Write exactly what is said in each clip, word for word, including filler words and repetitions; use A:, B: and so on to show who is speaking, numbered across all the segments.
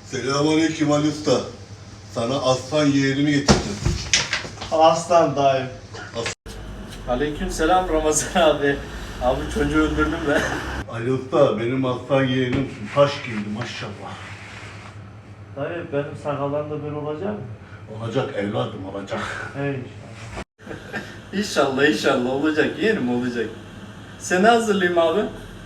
A: Selamünaleyküm Ali Usta. Sana aslan yeğenimi getirdim.
B: Aslan dayı.
C: Aleyküm selam Ramazan abi. Abi çocuğu öldürdüm ben.
A: Ali Usta benim aslan yeğenim taş gibiydi maşallah.
B: Dayı benim sakallarım da böyle olacak mı?
A: Olacak evladım olacak.
B: Hey.
C: İnşallah inşallah olacak, yeğenim olacak. Seni hazırlayayım abi.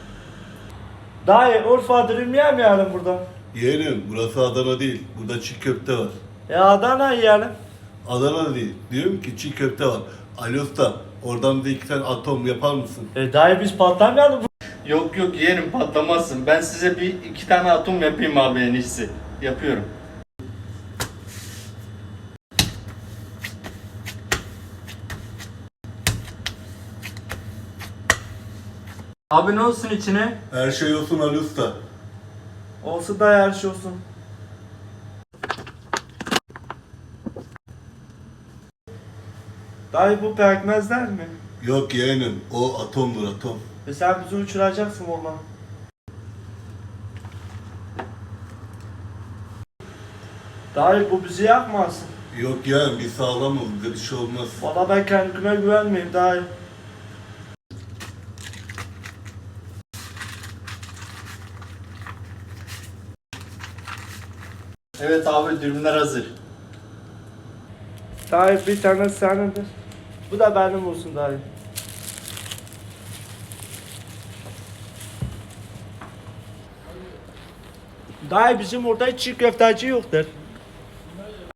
B: Dayı Urfa dürüm yemeyelim burada.
A: Yeğenim burası Adana değil. Burada çiğ köfte var.
B: Ya Adana yiyelim.
A: Adana değil. Diyorum ki çiğ köfte var. Ali Usta oradan da iki tane atom yapar mısın?
B: E dayı biz patlamayalım.
C: Yok yok yeğenim patlamazsın. Ben size bir iki tane atom yapayım abi en iyisi. Yapıyorum. Abi ne olsun içine?
A: Her şey olsun Ali Usta.
B: Olsun dayı her şey olsun. Dayı bu pekmezler mi?
A: Yok yeğenim o atomdur atom.
B: E sen bizi uçuracaksın valla. Dayı bu bizi yakmasın.
A: Yok yeğenim bir sağlamız bize bir şey olmaz.
B: Valla ben kendime güvenmeyeyim dayı.
C: Evet abi dürümler hazır.
B: Dayı bir tane senindir. Bu da benim olsun dayı. Dayı bizim orada hiç çiğ köfteci yoktur.